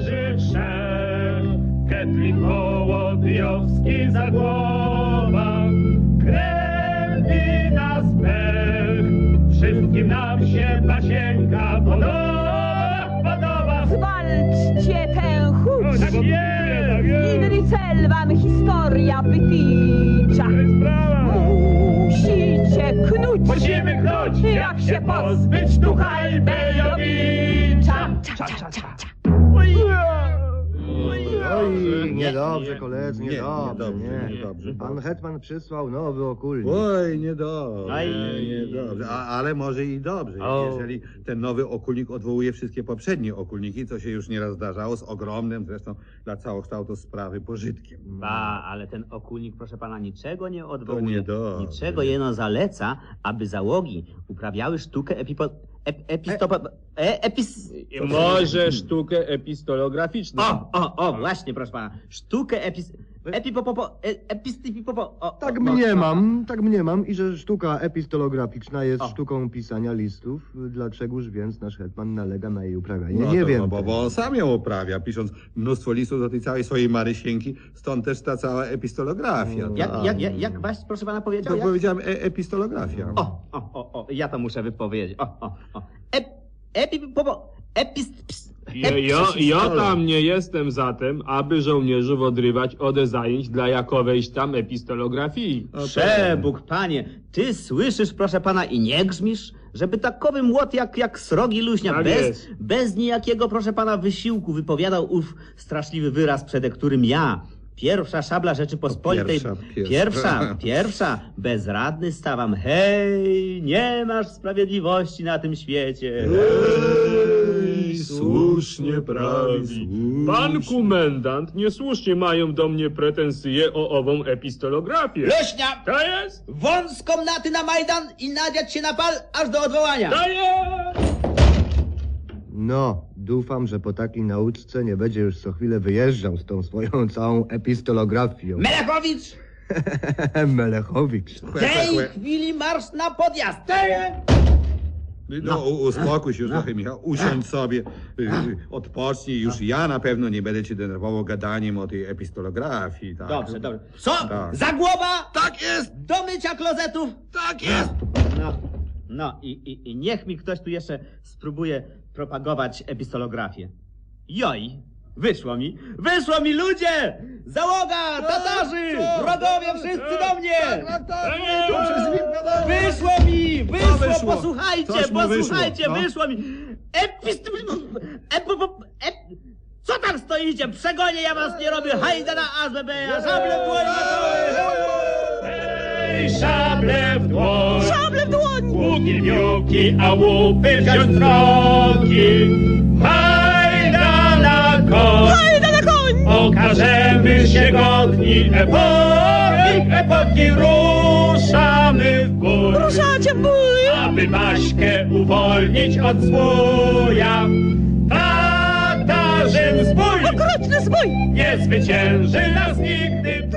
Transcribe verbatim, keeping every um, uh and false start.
żołnierzy trzech, Ketlin, Wołodyjowski, Zagłoba, krew i nas pech. Wszystkim nam się Basieńka podoba, podoba. Zwalczcie tę chuć! Tak jest, tak jest. Inny cel wam historia wytycza. To jest sprawa. Musicie knuć! Musimy knuć, jak się pozbyć ducha Albejowicza. Cza, cza, cza, cza. Oj, niedobrze, koledzy, Nie, niedobrze, niedobrze, nie. niedobrze. Pan hetman przysłał nowy okulnik. Oj, niedobrze, Aj. niedobrze. A, ale może i dobrze, O. jeżeli ten nowy okulnik odwołuje wszystkie poprzednie okulniki, co się już nieraz zdarzało, z ogromnym zresztą dla całokształtu sprawy pożytkiem. Ba, ale ten okulnik, proszę pana, niczego nie To odwołuje. niedobrze. Niczego jeno zaleca, aby załogi uprawiały sztukę epipo... Ep, epistopa... E, epis... Może sztukę epistolograficzną. O, o, o, właśnie, proszę pana. Sztukę epis... Epipopopo... E, epistypipopo... O, Tak o, mniemam, tak mniemam i że sztuka epistolograficzna jest O. sztuką pisania listów. Dlaczegoż więc nasz hetman nalega na jej uprawianie? No nie to, wiem. no, bo, bo on sam ją uprawia, pisząc mnóstwo listów do tej całej swojej Marysieńki, stąd też ta cała epistolografia. Jak, tak. jak, jak, jak właśnie, proszę pana, powiedział? To Jak? powiedziałem e epistolografia. O, o, o, o, ja to muszę wypowiedzieć. O, o, o. Ep... Epipopo... Epist... ps- Ja, ja, ja tam nie jestem za tym, aby żołnierzów odrywać ode zajęć dla jakowejś tam epistolografii. No to- Przebóg, panie, ty słyszysz, proszę pana, i nie grzmisz, żeby takowy młot jak, jak srogi luźnia, Tak bez, jest. bez niejakiego, proszę pana, wysiłku wypowiadał ów straszliwy wyraz, przed którym ja, pierwsza szabla Rzeczypospolitej, Pierwsza, pierwsza. pierwsza, pierwsza, bezradny stawam. Hej, nie masz sprawiedliwości na tym świecie. Ej, słusznie prawi. Pan komendant, niesłusznie mają do mnie pretensje o ową epistolografię. Luźnia, To jest? wąs komnaty na Majdan i nadziać się na pal aż do odwołania. To jest! No, dufam, że po takiej nauczce nie będzie już co chwilę wyjeżdżał z tą swoją całą epistolografią. Melechowicz! Melechowicz. W tej chwili marsz na podjazd! No, u- uspokój się już trochę, Michał, usiądź sobie, y, y, odpocznij, już ja na pewno nie będę cię denerwował gadaniem o tej epistolografii, tak? Dobrze, dobrze. Co? Tak. Za głowa? Tak jest! Do mycia klozetów? Tak jest! No, no i, i, i niech mi ktoś tu jeszcze spróbuje propagować epistolografię. Joj, wyszło mi, wyszło mi ludzie! Załoga, Tatarzy, wrogowie wszyscy do mnie! Wyszło mi, wyszło, wyszło? posłuchajcie, Coś mu wyszło, posłuchajcie, no. wyszło mi. Epist... Ep, ep, co tam stoicie? Przegonię, ja was nie robię. Hajda na A Z B, ja żablę w dłoń Ej, szable w dłoń, Szable w dłoń! łuki, miuki, a łupy wziąć drogi. Hajda na koń, Hajda na koń! okażemy się godni epoki, epoki ruszamy w bój. Ruszacie w bój! Aby Baśkę uwolnić od zbója. Tatarzyn zbój Okrutny zbój! nie zwycięży nas nigdy.